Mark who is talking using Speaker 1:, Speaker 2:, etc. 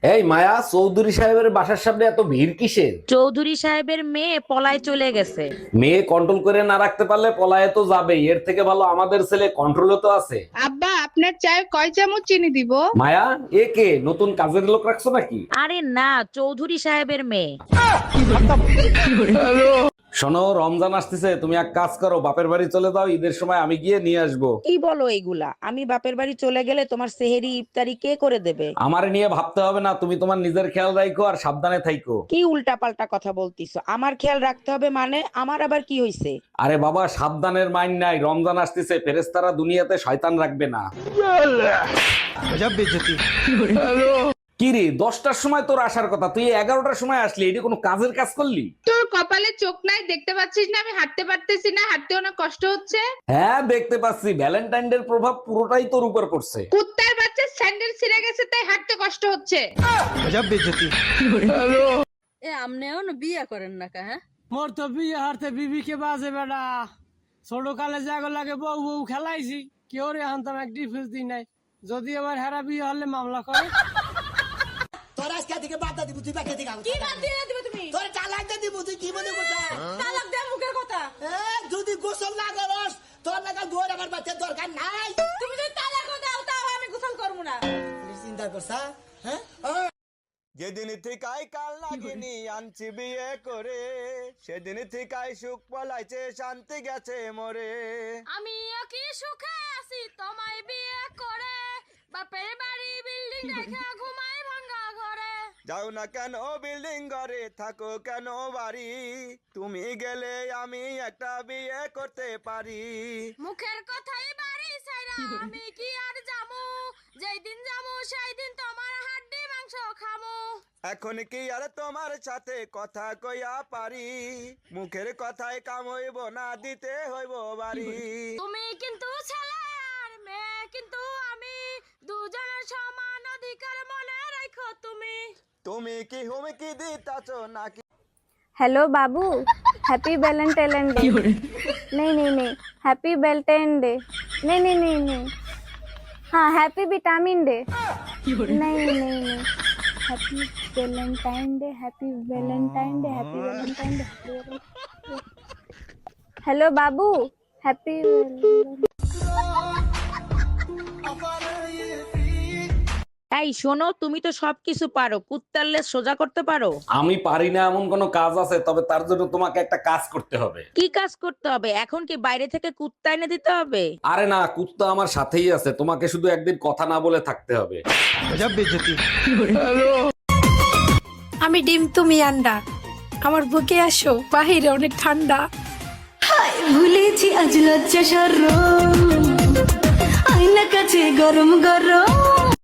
Speaker 1: এই মায়া, চৌধুরী সাহেবের বাসার সামনে এত ভিড় কিসের?
Speaker 2: চৌধুরী সাহেবের মেয়ে পলায় চলে গেছে।
Speaker 1: মেয়ে কন্ট্রোল করে না রাখতে পারলে পলায়ে তো যাবেই, এর থেকে ভালো আমাদের ছেলে কন্ট্রোলে তো আছে।
Speaker 3: আব্বা, আপনার চায়ে কয় চামচ চিনি দিব?
Speaker 1: মায়া, এ কে নতুন কাজের লোক রাখছো নাকি?
Speaker 2: আরে না, চৌধুরী সাহেবের মেয়ে।
Speaker 1: শোনো, রমজান আসতেছে, তুমি এক কাজ করো, বাপের বাড়ি চলে যাও, ঈদের সময় আমি গিয়ে নিয়ে আসবো।
Speaker 2: কি বলো এইগুলা? আমি বাপের বাড়ি চলে গেলে তোমার সেহেরি ইফতারি কে করে দেবে?
Speaker 1: আমারে নিয়ে ভাবতে হবে না, তুমি তোমার নিজের খেয়াল রাখো আর সাবধানে থাইকো।
Speaker 2: কি উল্টা পাল্টা কথা বলতিছো? আমার খেয়াল রাখতে হবে মানে? আমার আবার কি হইছে?
Speaker 1: আরে বাবা, সাবধানের মাইন নাই, রমজান আসতেছে, ফেরেশতারা দুনিয়াতে শয়তান রাখবে না। কি রে, 10টার সময় তোর আসার কথা, তুই 11টার সময় আসলি, এটা কোনো কাজের কাজ করলি?
Speaker 3: তোর কপালে চোখ নাই, দেখতে পাচ্ছিস না আমি হাঁটতে পারতেছি না? হাঁটতেও না কষ্ট হচ্ছে।
Speaker 1: হ্যাঁ দেখতে পাচ্ছি, ভ্যালেন্টাইন ডে প্রভাব পুরোটাই তোর উপর পড়ছে।
Speaker 3: কুত্তার বাচ্চা স্যান্ডেল ছিঁড়ে গেছে তাই হাঁটতে কষ্ট হচ্ছে।
Speaker 4: এ আমনেও না বিয়ে করেন না কা? হ্যাঁ,
Speaker 5: মোর তো বিয়ে হারতে বিবি কে বাজে বেড়া। ছোট কালে জাগো লাগে বউ বউ খেলাইছি, কেউ রে হান্তাম এক ডিফেন্স দিই নাই। যদি আবার হেরা বিয়ে হলে মামলা করে।
Speaker 6: তোর আজকে থেকে বাদ দিব, তুই বাকি থেকে
Speaker 4: কি বাদ দিয়ে দিবে তুমি?
Speaker 6: তোর চালাক দিব, তুই কি মনে করছ?
Speaker 4: তালাক দে মুখের কথা।
Speaker 6: যদি গোসল না করস তোর লাগা দুয়ার আমার বাচ্চার দরকার নাই।
Speaker 4: তুমি যদি তালাক দাও তাও আমি গোসল করব না।
Speaker 6: চিন্তা করছা? হ্যাঁ,
Speaker 7: যেদিন থেকাই কাল লাগিনি আনছি বিয়ে করে, সেদিন থেকাই সুখ পলাইছে শান্তি গেছে মরে।
Speaker 4: আমিও কি সুখে আছি তোমায় বিয়ে করে, বাপের বাড়ি বিল্ডিং রেখে ঘুমাই ভাঙা ঘরে।
Speaker 7: যাও না কেন বিল্ডিং ঘরে, থাকো কেন বাড়ি, তুমি গেলে আমি একটা বিয়ে করতে পারি।
Speaker 4: মুখের কথাই বাড়ি ছাইরা আমি কি আর যামু, যেই দিন যামু সেই দিন তোমার হাড্ডি মাংস খামু।
Speaker 7: এখন কি আর তোমার সাথে কথা কইয়া পারি, মুখের কথায় কাম হইব না, দিতে হইব বাড়ি।
Speaker 4: তুমি কিন্তু ছেলে আর মেয়ে কিন্তু আমি, দুজনের সমান অধিকার মনে রাখো তুমি।
Speaker 7: তুমি কি হুমকি দিতাছো নাকি?
Speaker 8: हेलो बाबू, हैप्पी वैलेंटाइन डे। नहीं नहीं नहीं, हैप्पी वैलेंटाइन डे। नहीं नहीं नहीं नहीं, हाँ हैप्पी विटामिन डे। नहीं नहीं नहीं, happy Valentine day, happy Valentine day, happy Valentine day. Hello बाबू, हैप्पी
Speaker 2: এই শোনো, তুমি তো সবকিছু পারো, কুত্তার লেজ সোজা করতে পারো?
Speaker 1: আমি পারি না এমন কোনো কাজ আছে, তবে তার জন্য তোমাকে একটা কাজ করতে হবে।
Speaker 2: কি কাজ করতে হবে? এখন কি বাইরে থেকে কুত্তা এনে দিতে হবে?
Speaker 1: আরে না, কুত্তা আমার সাথেই আছে, তোমাকে শুধু একদিন কথা না বলে থাকতে হবে।
Speaker 9: আমি ডিম তুমি আন্ডা, আমার বুকে আসো, বাহিরে অনেক ঠান্ডা। হায় ভুলেছি আজ লজ্জা সরম, আয়না কাছে গরম গরম।